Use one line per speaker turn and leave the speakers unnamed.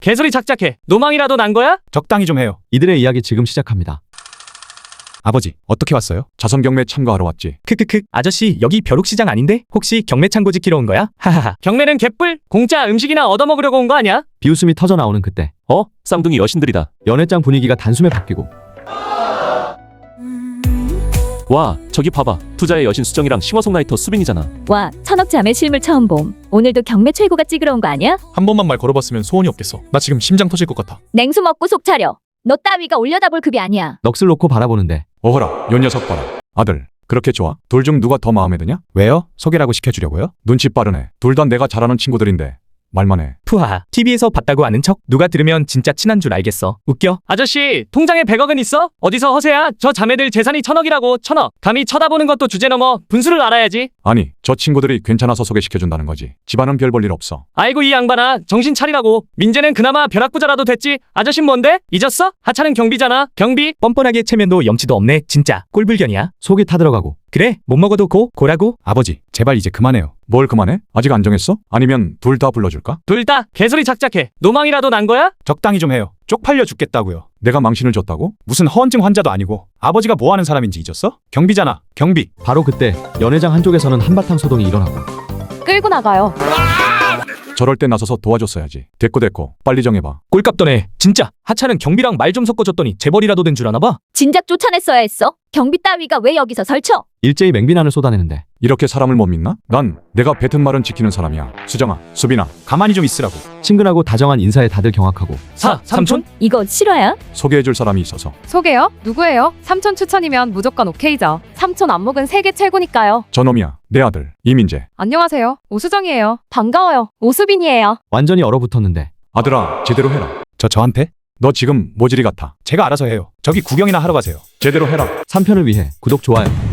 개소리 작작해. 노망이라도 난 거야?
적당히 좀 해요.
이들의 이야기 지금 시작합니다.
아버지, 어떻게 왔어요? 자선 경매 참가하러 왔지.
크크크. 아저씨, 여기 벼룩시장 아닌데? 혹시 경매 창고 지키러 온 거야? 하하하.
경매는 개뿔? 공짜 음식이나 얻어먹으려고 온 거 아니야?
비웃음이 터져 나오는 그때
쌍둥이 여신들이다.
연회장 분위기가 단숨에 바뀌고
와, 저기 봐봐. 투자의 여신 수정이랑 싱어송라이터 수빈이잖아.
와, 천억 자매 실물 처음 봄. 오늘도 경매 최고가 찍으러 온 거 아니야?
한 번만 말 걸어봤으면 소원이 없겠어. 나 지금 심장 터질 것 같아.
냉수 먹고 속 차려. 너 따위가 올려다볼 급이 아니야.
넋을 놓고 바라보는데
어허라, 요 녀석 봐라. 아들, 그렇게 좋아? 둘 중 누가 더 마음에 드냐?
왜요? 소개라고 시켜주려고요?
눈치 빠르네. 둘 다 내가 잘 아는 친구들인데 말만 해.
푸하. TV에서 봤다고 아는 척? 누가 들으면 진짜 친한 줄 알겠어. 웃겨?
아저씨, 통장에 100억은 있어? 어디서 허세야? 저 자매들 재산이 1000억이라고. 1000억. 감히 쳐다보는 것도 주제 넘어. 분수를 알아야지.
아니, 저 친구들이 괜찮아서 소개시켜준다는 거지. 집안은 별 볼 일 없어.
아이고 이 양반아, 정신 차리라고. 민재는 그나마 벼락부자라도 됐지. 아저씨 뭔데? 잊었어? 하차는 경비잖아. 경비.
뻔뻔하게 체면도 염치도 없네. 진짜 꼴불견이야.
속이 타들어가고
그래, 못 먹어도 고라고?
아버지, 제발 이제 그만해요.
뭘 그만해? 아직 안 정했어? 아니면 둘 다 불러줄까?
둘 다 개소리 작작해. 노망이라도 난 거야?
적당히 좀 해요. 쪽팔려 죽겠다고요.
내가 망신을 줬다고?
무슨 허언증 환자도 아니고 아버지가 뭐 하는 사람인지 잊었어? 경비잖아, 경비.
바로 그때 연회장 한쪽에서는 한바탕 소동이 일어나고
끌고 나가요.
저럴 때 나서서 도와줬어야지. 됐고, 빨리 정해봐.
꼴값 떠네. 진짜 하차는 경비랑 말 좀 섞어줬더니 재벌이라도 된 줄 아나 봐.
진작 쫓아냈어야 했어. 경비 따위가 왜 여기서 설쳐?
일제히 맹비난을 쏟아내는데
이렇게 사람을 못 믿나? 난 내가 뱉은 말은 지키는 사람이야. 수정아, 수빈아,
가만히 좀 있으라고.
친근하고 다정한 인사에 다들 경악하고
삼촌?
이거 실화야?
소개해줄 사람이 있어서.
소개요? 누구예요? 삼촌 추천이면 무조건 오케이죠. 삼촌 안목은 세계 최고니까요.
저놈이야, 내 아들 이민재.
안녕하세요. 오수정이에요.
반가워요. 오수빈이에요.
완전히 얼어붙었는데
아들아, 제대로 해라.
저한테?
너 지금 모질이 같아.
제가 알아서 해요. 저기 구경이나 하러 가세요.
제대로 해라.
3편을 위해 구독 좋아요